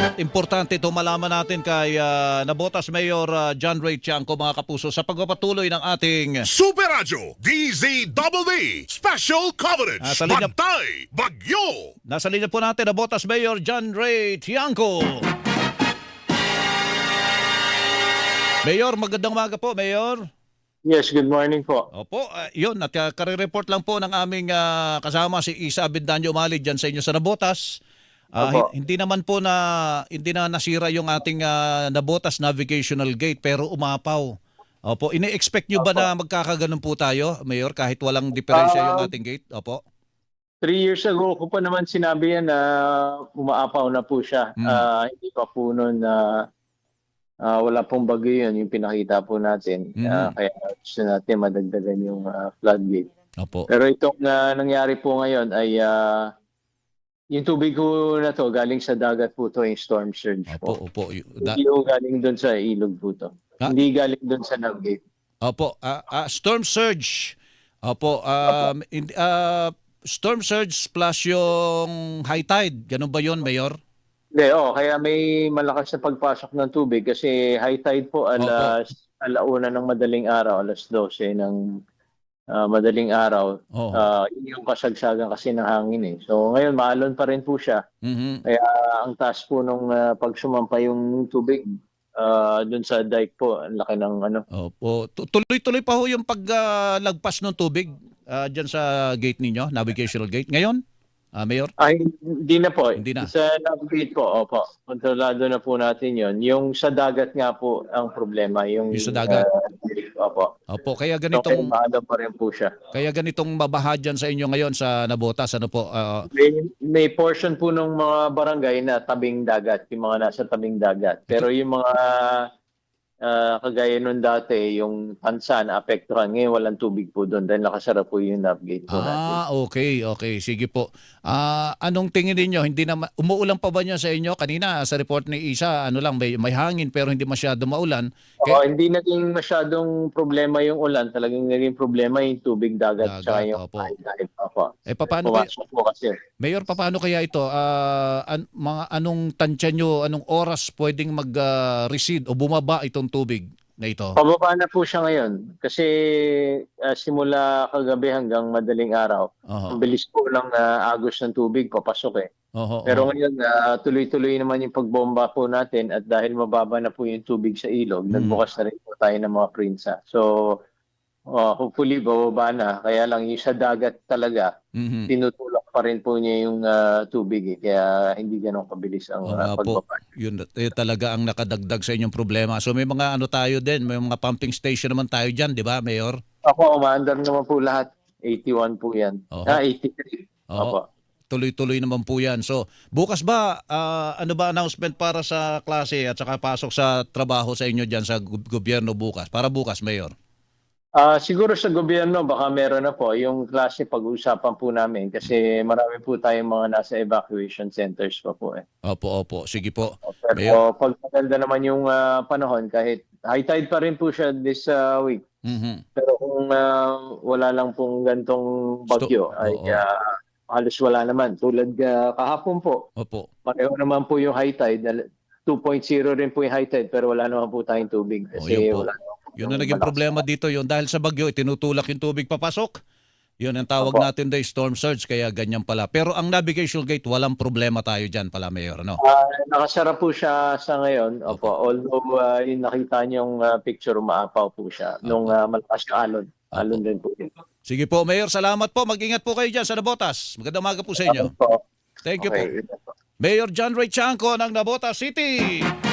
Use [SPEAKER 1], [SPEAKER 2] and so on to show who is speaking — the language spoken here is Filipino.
[SPEAKER 1] Importante ito malaman natin kay Navotas Mayor John Ray Tiangco, mga kapuso, sa pagpapatuloy ng ating
[SPEAKER 2] Super Radio DZBB Special Coverage
[SPEAKER 1] sa linya-
[SPEAKER 2] Bantay Bagyo.
[SPEAKER 1] nasa linya po natin Navotas Mayor John Ray Tiangco. Mayor, magandang umaga po, Mayor.
[SPEAKER 3] Yes, good morning po.
[SPEAKER 1] Opo, yun, at kare-report lang po ng aming kasama si Isa Abendaño Umali dyan sa inyo sa Navotas.
[SPEAKER 3] Opo.
[SPEAKER 1] Hindi naman po hindi na nasira yung ating Navotas Navigational Gate pero umapaw. Opo, ini-expect nyo ba na magkakaganon po tayo, Mayor, kahit walang diferensya yung ating gate? Opo.
[SPEAKER 3] 3 years ago ko pa naman sinabi yan na umaapaw na po siya. Hindi pa po noon na wala pong bagyo yun, yung pinakita po natin. Kaya gusto natin madagdagan yung floodgate.
[SPEAKER 1] Opo.
[SPEAKER 3] Pero itong nangyari po ngayon ay yung tubig ko na to galing sa dagat po to, yung storm surge
[SPEAKER 1] Opo,
[SPEAKER 3] po.
[SPEAKER 1] opo.
[SPEAKER 3] Hindi po galing doon sa ilog po to. Hindi galing doon sa navgate.
[SPEAKER 1] Opo, storm surge. Opo, storm surge plus yung high tide. Ganun ba yun, Mayor?
[SPEAKER 3] Hindi, kaya may malakas na pagpasok ng tubig kasi high tide po alauna ng madaling araw, alas 12 ng madaling araw. Yun yung kasagsagan kasi ng hangin eh. So ngayon maalon pa rin po siya. Kaya ang taas po nung pag sumampa yung tubig dun sa dike po, ang laki ng ano.
[SPEAKER 1] Opo. Tuloy-tuloy pa ho yung paglagpas ng tubig dyan sa gate ninyo, navigational gate. Ngayon, Mayor?
[SPEAKER 3] Ay, hindi na po.
[SPEAKER 1] Hindi na.
[SPEAKER 3] Sa navigate po, opo. Kontrolado na po natin yon. Yung sa dagat nga po ang problema. Yung
[SPEAKER 1] sa dagat?
[SPEAKER 3] Opo.
[SPEAKER 1] Opo, kaya
[SPEAKER 3] So,
[SPEAKER 1] ganitong
[SPEAKER 3] maalaw pa rin po siya.
[SPEAKER 1] kaya ganitong mabaha dyan sa inyo ngayon sa Navotas, ano po?
[SPEAKER 3] May portion po ng mga barangay na tabing dagat, yung mga nasa tabing dagat. Pero yung mga kagaya nun dati, yung Tansa na apektuhan, ngayon walang tubig po doon dahil nakasara po yung navigate po natin.
[SPEAKER 1] Okay. Sige po. Anong tingin niyo? Hindi na umuulan pa ba niya sa inyo? Kanina sa report ni Isa, ano lang, may hangin pero hindi masyado maulan.
[SPEAKER 3] Hindi naging masyadong problema yung ulan. Talagang naging problema yung tubig dagat tsaka yung
[SPEAKER 1] opo.
[SPEAKER 3] high. Opo.
[SPEAKER 1] Paano
[SPEAKER 3] Pumasok po kasi.
[SPEAKER 1] Mayor, paano kaya ito? Mga anong tansya nyo, anong oras pwedeng mag-recede o bumaba itong tubig na ito?
[SPEAKER 3] Pababa na po siya ngayon. Kasi simula kagabi hanggang madaling araw, ang bilis po ng agos ng tubig papasok eh. Pero ngayon, tuloy-tuloy naman yung pagbomba po natin at dahil mababa na po yung tubig sa ilog, nagbukas na rin po tayo ng mga prinsa. So, hopefully, bababa na. Kaya lang yung sa dagat talaga, tinutulak pa rin po niya yung tubig. Kaya hindi ganun kabilis ang pagbaba.
[SPEAKER 1] Yun talaga ang nakadagdag sa inyong problema. So may mga ano tayo din, may mga pumping station naman tayo dyan, di ba, Mayor?
[SPEAKER 3] Ako, umaandar naman po lahat. 81 po yan. 83. Opo.
[SPEAKER 1] Tuloy-tuloy naman po yan. So, bukas ba, ano ba announcement para sa klase at saka pasok sa trabaho sa inyo dyan sa gobyerno bukas? Para bukas, Mayor?
[SPEAKER 3] Siguro sa gobyerno, baka meron na po. Yung klase pag-uusapan po namin kasi marami po tayong mga nasa evacuation centers pa po eh.
[SPEAKER 1] Opo. Sige po.
[SPEAKER 3] Pero pag maganda naman yung panahon, kahit high tide pa rin po siya this week. Pero kung wala lang pong gantong bagyo, ay halos wala naman. Tulad kahapon po, pareho naman po yung high tide. 2.0 rin po yung high tide pero wala naman po tayong tubig. Kasi wala naman.
[SPEAKER 1] Yun ang naging problema dito yun. Dahil sa bagyo, tinutulak yung tubig papasok. Yun ang tawag natin day storm surge. Kaya ganyan pala. Pero ang navigational gate, walang problema tayo dyan pala, Mayor. No?
[SPEAKER 3] Nakasara po siya sa ngayon. Opo. Although yung nakita niyong picture, umaapaw po siya. Nung malakas na alon. Alon din po yun.
[SPEAKER 1] Sige po, Mayor. Salamat po. Mag-ingat po kayo dyan sa Navotas. Magandang umaga po sa inyo. Thank you po. Mayor John Ray Tiangco ng Navotas City.